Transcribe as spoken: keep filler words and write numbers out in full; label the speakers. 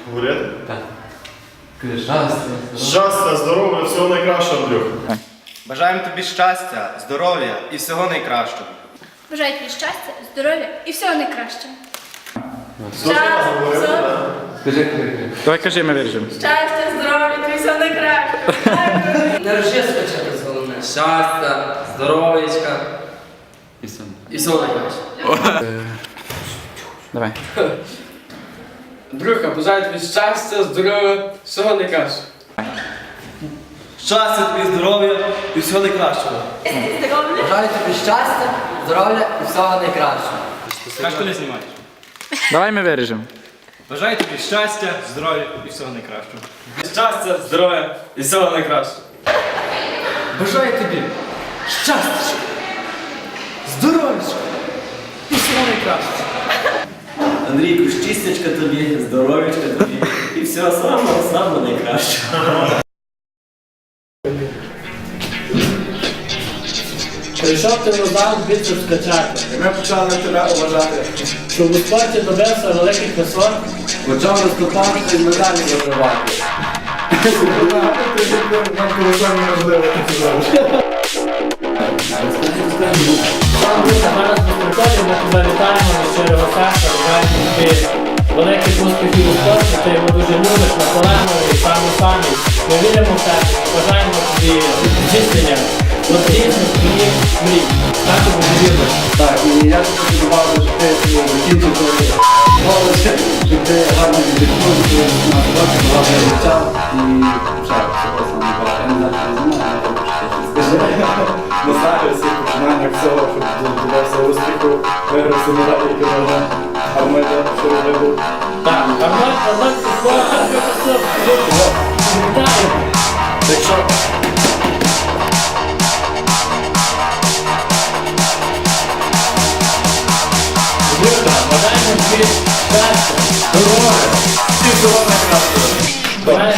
Speaker 1: Говорити?
Speaker 2: Так. Кажи щастя.
Speaker 1: Щастя, здоров'я, всього найкращого, Андрюх.
Speaker 3: Бажаємо тобі щастя, здоров'я і всього найкращого.
Speaker 4: Бажаю тобі щастя, здоров'я і всього найкращого.
Speaker 2: Кажи, кажи.
Speaker 5: Давай кажи, ми виріжемо.
Speaker 4: Щастя, здоров'я і всього найкращого.
Speaker 6: Не рожи спочатку головне. Щастя, здоров'ячка
Speaker 2: І все.
Speaker 6: і всього найкраще.
Speaker 5: Давай.
Speaker 6: Андрюха, бажаю тобі щастя, здоров'я, всього найкраще.
Speaker 3: Щастя тобі, здоров'я і всього найкращого.
Speaker 4: Здоров'я.
Speaker 7: Бажаю тобі щастя, здоров'я і всього найкращого.
Speaker 3: Кажеш, коли знімаєш?
Speaker 5: Давай ми виріжемо.
Speaker 3: Бажаю тобі щастя, здоров'я і всього найкращого. Щастя, здоров'я і всього найкращого.
Speaker 6: Бажаю тобі щастя, здоров'ячка і всього найкраще.
Speaker 8: Андрійку, щастячка тобі, здоров'ячка тобі і всього самого самого найкращого.
Speaker 9: Прийшов ти назад звідси скачати.
Speaker 3: Ми почали тебе уважати.
Speaker 9: Щоб у спорті добився великих висот.
Speaker 7: Почав виступати і медалі вибивати.
Speaker 9: Сам буде зараз безпекові, ми тебе вітаємо від щирого серця, бажаємо тобі великих успіхів у спорті, ти його дуже любиш, наполегливий, самий-самий. Ми віримо в тебе, бажаємо тобі здійснення от різних твоїх мрій. Так і буде вірно.
Speaker 7: Так, і я хочу добавити, що ти закінчив твої голос, що ти гарно віддихнув, що ти на році багато життя і ще всього саме бажаю. Я не знаю, що ти знімає, але скажи.
Speaker 1: Не знаю, всіх починаннях всього, щоб добився успіху, виграв всі медалі, які можна, а в мене що робив.
Speaker 9: Так, Армат, Армат, Армат, вітаю.
Speaker 1: Якщо
Speaker 9: Бажаємо тобі щастя, здоров'я і всього найкращого. Бажаємо